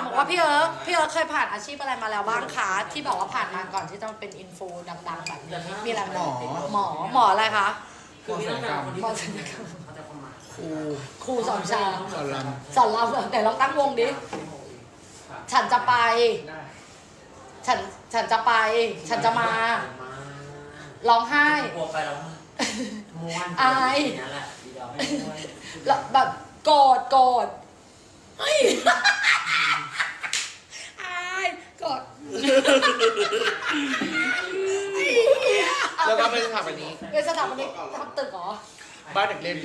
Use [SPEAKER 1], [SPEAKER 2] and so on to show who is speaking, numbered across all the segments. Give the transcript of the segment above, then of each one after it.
[SPEAKER 1] บอกว่าพี่เอิร์กเคยผ่านอาชีพอะไรมาแล้วบ้างคะที่บอกว่าผ่านมาก่อนที่จะมาเป็นอินฟูดังๆแบบนี้มีอะไรไหมหมออะไรคะ
[SPEAKER 2] คือไม่ต้องการคนที่
[SPEAKER 1] หมอศัลยกรรม
[SPEAKER 2] เขาจะประมาท
[SPEAKER 1] ครูสอนชา
[SPEAKER 3] สอนร
[SPEAKER 1] สอนเราไหนลองตั้งวงดิฉันจะไป ฉันจะไป ฉันจะมาร้องไห้
[SPEAKER 2] กลัวไปแล้วม้วน
[SPEAKER 1] อาย
[SPEAKER 2] นั่นแหละดีเดียวไม่ม้วน
[SPEAKER 1] แล้วแบบโกรธเฮ้ยอายโกรธ
[SPEAKER 3] ำแล้วก็เป็นสถาปนิก
[SPEAKER 1] เป็นสถาปนิกทำตึกเหรอ
[SPEAKER 3] บ้านเด็กเล่น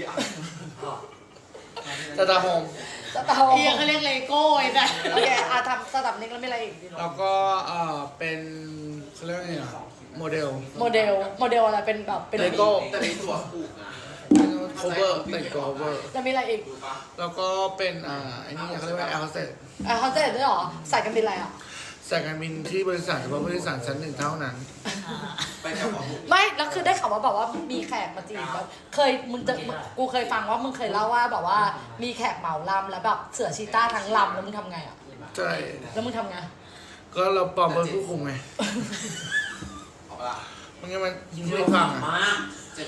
[SPEAKER 3] สตาร์โฮม
[SPEAKER 1] สถาปนิก
[SPEAKER 4] เขาเรียกเลโก้ไอ้แต่
[SPEAKER 1] โอเคทำสถาปนิกแล้วมีอะไรอีก
[SPEAKER 3] แล้วก็เป็นเขาเรียกว่าไงอะโมเดล
[SPEAKER 1] โมเดลอะไรเป็นแบบเป็น
[SPEAKER 3] เลโก้
[SPEAKER 5] แต่ในตัวผูกนะ
[SPEAKER 3] โคเวอร์แต่งตัวโคเวอร์
[SPEAKER 1] แล้วมีอะไรอีก
[SPEAKER 3] แล้วก็เป็นไอ้นี่เขาเรียกว่าแอร์โฮสเตส
[SPEAKER 1] เขาจะเห็นด้วยเหรอใส่กันบินอะไรอ่ะ
[SPEAKER 3] สายการบินที่บริษัทเฉพาะบริษัทชั้นหนึ่งเท่านั้น
[SPEAKER 5] ไปกับของ
[SPEAKER 1] ไม่แล้วคือได้ข่าวว่าแบบว่ามีแขกมาจีบแบบกูเคยฟังว่ามึงเคยเล่าว่าแบบว่ามีแขกเหมาลำแล้วแบบเสือชีต้าทั้งลำแล้วมึงทำไงอ่ะ
[SPEAKER 3] ใช่
[SPEAKER 1] แล้วมึงทำไง
[SPEAKER 3] ก็เราปลอมเป็นผู้คุมไง
[SPEAKER 5] ออกละ
[SPEAKER 3] มันงั้นมันยิงไม่ฟังอ่ะ
[SPEAKER 2] มาก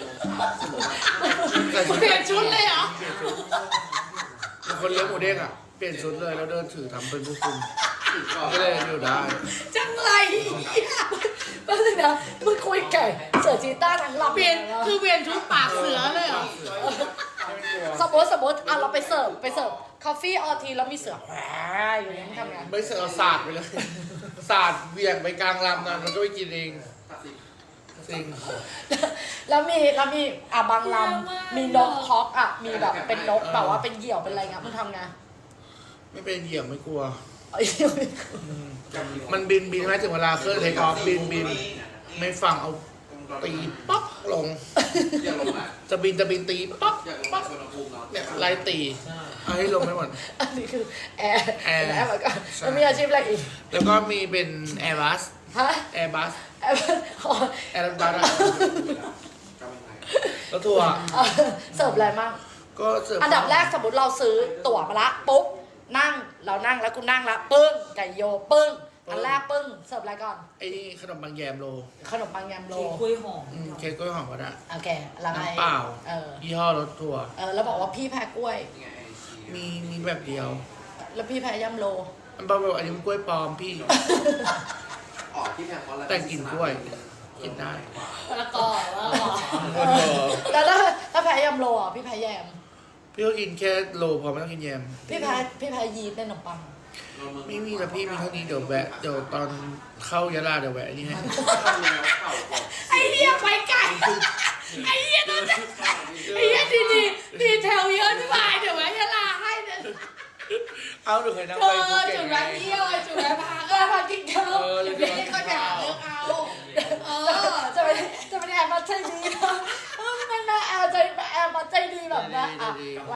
[SPEAKER 5] 7 โมงเช้า
[SPEAKER 3] ใส่ชุด
[SPEAKER 4] เปลี่ยนชุดเลยเหรอ
[SPEAKER 3] เป็นคนเลี้ยงหมูเด้งอ่ะ เปลี่ยนชุดเลยแล้วเดินถือทำเป็นผู้คุม
[SPEAKER 5] ถึงก่อน
[SPEAKER 3] ก็เลยอยู่ได้
[SPEAKER 1] จังไรก็เลยนะมึงคุยแก่เสือชีต้าทั้งลำ
[SPEAKER 4] เปลี่ยนคือเปลี่ยนชุดปากเสือเลยเหรอ
[SPEAKER 1] สมมติอ่ะเราไปเสิร์ฟคอฟฟี่ออทีแล้วมีเสือแหวอยู่เนี่ยมึงทำไง
[SPEAKER 3] ไม่เสือเอาศาสตร์ไปเลยศาสตร์เบี่ยงไปกลางลำนั่นมันก็ไปกินเองจริง
[SPEAKER 1] แล้วมีบางลำมีนกฮอกอ่ะมีแบบเป็นนกแบบว่าเป็นเหยี่ยวเป็นอะไรเงี้ยมึงทำไง
[SPEAKER 3] ไม่เป็นเหยี่ยมไม่กลัว
[SPEAKER 1] เอ้ย
[SPEAKER 3] มันบินไหมถึงเวลาเครื่องเทคออฟบินไม่ฟังเอาตีป๊อกลง
[SPEAKER 5] อยากลงอ่ะ
[SPEAKER 3] จะบินตีป๊อก
[SPEAKER 5] อยากลง
[SPEAKER 3] ป๊อก
[SPEAKER 5] สวนภูมิเนาะ
[SPEAKER 3] เนี่ยไล่ตีเอาให้ลงไม่หมด
[SPEAKER 1] อันนี้คือแอร์
[SPEAKER 3] แอร์
[SPEAKER 1] แล้วก็แล้วมีอาชีพอะไรอีก
[SPEAKER 3] แล้วก็มีเป็นแอร์บัส
[SPEAKER 1] ฮะ
[SPEAKER 3] แอร์บัส
[SPEAKER 1] แอร์อ๋อ
[SPEAKER 3] แอร์บัส
[SPEAKER 5] กำลังไง
[SPEAKER 3] แล้วทัวร์
[SPEAKER 1] เสิร์ฟอะไรมั่ง
[SPEAKER 3] ก็เสิร์ฟ
[SPEAKER 1] อันดับแรกสมมติเราซื้อตั๋วมาละปุ๊บนั่งแล้วกูนั่งละปึ้งไก่โยปึ้งอันแรกปึ้งเสิร์ฟอะไรก่อน
[SPEAKER 3] ไอ้นี่ขนมบางแยมโล
[SPEAKER 1] ขนมปังยำโล
[SPEAKER 4] คุยหอม
[SPEAKER 3] เค้กกล้วยหอมก็ได้
[SPEAKER 1] โอเคแล้วไง
[SPEAKER 3] น้ำเปล่า
[SPEAKER 1] เออ
[SPEAKER 3] ยี่ห้อรถทัวร์
[SPEAKER 1] แล้วบอกว่าพี่แพ้กล้วย
[SPEAKER 5] ยังไงไอซี
[SPEAKER 3] มีแบบเดียว
[SPEAKER 1] แล้วพี่แพ้ยำโล
[SPEAKER 3] อันบอกว่าอันนี้มันกล้วยปลอมพี่
[SPEAKER 5] ออกที่แพงเพราะอะไร
[SPEAKER 3] แต่งกลิ่นกล้วยกินได้
[SPEAKER 4] แล้วก็
[SPEAKER 1] แล้วถ้าแพ้ยำโลอ่ะพี่แพ้แยม
[SPEAKER 3] พี่ก็กินแค่โลพอไม่ต้องกินแยม
[SPEAKER 1] พี่แพ้ยีสต์ในขนมปัง
[SPEAKER 3] ไม่มีแต่พี่มีเท่านี้เดี๋ยวแวะเดี๋ยวตอนเข้ายะลาเดี๋ยวแวะอันนี่ให้
[SPEAKER 5] เข้าแนวเข่าก่อน
[SPEAKER 4] ไอ้เหี้ยไปไกลไอ้เหี้ยนั่นจะไอ้เหี้ยดีเทลเยอะที่มาเดี๋ยวไว้จะลาให้เนี่ย
[SPEAKER 3] เอาหนูเคยนั่ง
[SPEAKER 4] เธ
[SPEAKER 3] ไป
[SPEAKER 4] อ
[SPEAKER 3] ภูเก็ต
[SPEAKER 4] จุด
[SPEAKER 3] ไง
[SPEAKER 4] แวะเที่ยวจุดแวะพัก
[SPEAKER 1] พากินข้าว
[SPEAKER 4] เดี๋ยวพี่ก็จะหาเรื่องเอา
[SPEAKER 1] จะเป็นแอบมาใจดีนะไม่แม่แอบมาใจดีแบบนะอ่ะ